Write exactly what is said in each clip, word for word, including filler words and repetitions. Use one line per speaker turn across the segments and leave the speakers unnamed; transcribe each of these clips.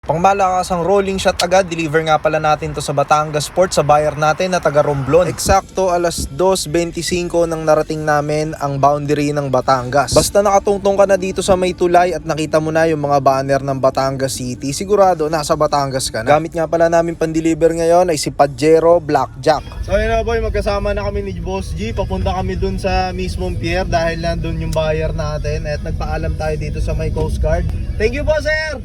Pangmalakasang rolling shot agad, deliver nga pala natin to sa Batangas Port sa buyer natin na taga Romblon. Eksakto alas dos twenty-five nang narating namin ang boundary ng Batangas. Basta nakatungtong ka na dito sa may tulay at nakita mo na yung mga banner ng Batangas City, sigurado nasa Batangas ka na. Gamit nga pala namin pan-deliver ngayon ay si Pajero Blackjack. So yun na boy, magkasama na kami ni Boss G. Papunta kami dun sa mismong pier dahil nandun yung buyer natin at nagpaalam tayo dito sa may Coast Guard. Thank you po sir!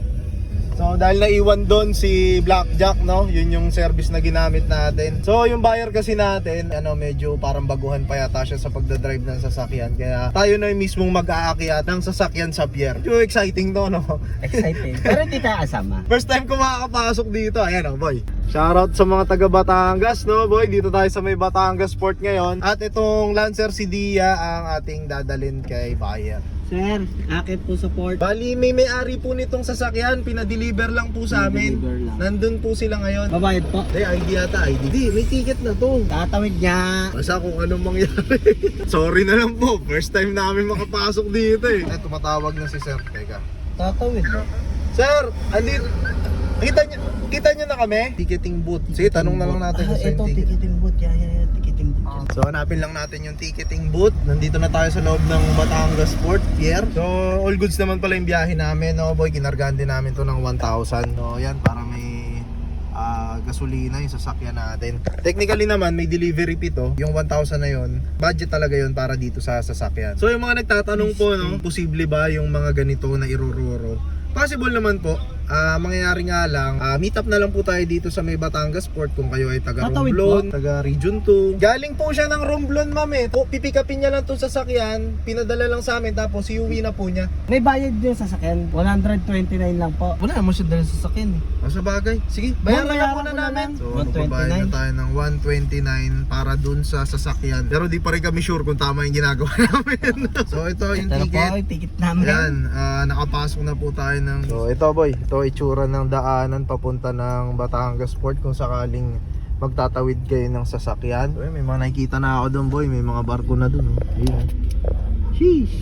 So dahil naiwan doon si Blackjack, no, yun yung service na ginamit natin. So yung buyer kasi natin, ano, medyo parang baguhan pa yata siya sa pagdadrive ng sasakyan. Kaya tayo na yung mismong mag-aakyat ng sasakyan sa pier. Yung exciting to, no?
Exciting. Pero hindi tayo kasama.
First time ko makakapasok dito. Ayan, oh, boy. Shoutout sa mga taga Batangas, no, boy. Dito tayo sa may Batangas Port ngayon. At itong Lancer si Dia ang ating dadalhin kay buyer.
Sir, akit po support.
Bali, may may-ari po nitong sasakyan. Pinadeliver lang po sa amin.
Lang.
Nandun po sila ngayon.
Babayad po.
Ay, I D yata, I D. Di, may ticket na to.
Tatawid niya.
Basta kung anong mangyari. Sorry na lang po. First time namin makapasok dito eh. Eh, tumatawag na si Sir. Teka.
Tatawid.
Sir, andito. Kita nyo, kita nyo na kami? Ticketing booth. Sige, tanong na lang natin.
Ah,
kung saan
ito,
ticket.
ticketing booth. Yan, yan, yan. Ticketing booth.
So hanapin lang natin yung ticketing booth. Nandito na tayo sa loob ng Batangas Port Pier. So all goods naman pala yung biyahe namin, no boy. Kinargahan din namin to ng one thousand. No, yan para may uh, gasolina yung sasakyan natin. Technically naman may delivery fee to. Yung one thousand na yun, budget talaga yun para dito sa sasakyan. So yung mga nagtatanong po, no, posible ba yung mga ganito na irururo? Possible naman po. Uh, mangyayari nga lang, uh, meet up na lang po tayo dito sa may Batangas Port kung kayo ay taga
Tatawid
Romblon, taga Region two. Galing po siya ng Romblon, ma'am eh. Po, pipikapin niya lang itong sasakyan, pinadala lang sa amin, tapos iuwi na po niya.
May bayad din sa sasakyan. one twenty-nine lang po.
Wala naman siya dala sa sasakyan eh.
O sa bagay, sige, bayaran na po na namin. So magbabayad na tayo ng one twenty-nine para dun sa sasakyan. Pero di pa rin kami sure kung tama yung ginagawa namin. So ito yung
Ito na po,
ticket.
yung ticket namin.
Yan, uh, nakapasok na po tayo ng... So ito boy, ito itsura ng daanan papunta ng Batangas Port kung sakaling magtatawid kayo ng sasakyan. So, may mga nakikita na ako doon boy, may mga barko na doon. Oh. Ayun. Sheesh.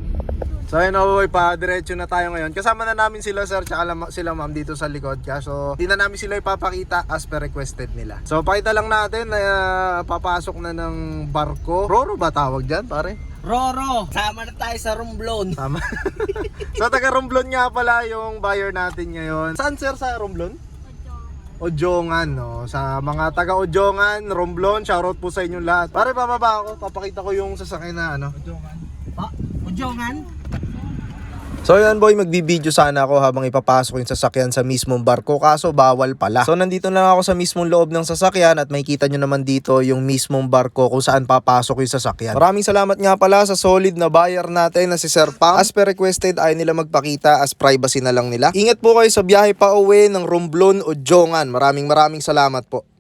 So ayun na boy, pa-diretso na tayo ngayon. Kasama na namin sila sir, tsaka sila ma'am dito sa likod. So hindi na namin sila ipapakita as per requested nila. So pakita lang natin na uh, papasok na ng barko. Roro ba tawag dyan pare?
Roro, sama na tayo sa Romblon.
Tama. So taga Romblon nga pala yung buyer natin ngayon. Saan sir sa Romblon? Ojongan, no. Sa mga taga Ojongan, Romblon, shoutout po sa inyong lahat. Pare, bababa ako, papakita ko yung sasakyan na ano.
Ujongan. Pa, Ujongan.
So yan boy, magbibideo sana ako habang ipapasok yung sasakyan sa mismong barko, kaso bawal pala. So nandito lang ako sa mismong loob ng sasakyan at makikita nyo naman dito yung mismong barko kung saan papasok yung sasakyan. Maraming salamat nga pala sa solid na buyer natin na si Sir Pam. As per requested ay nila magpakita as privacy na lang nila. Ingat po kayo sa biyahe pa uwi ng Romblon o Jongan. Maraming maraming salamat po.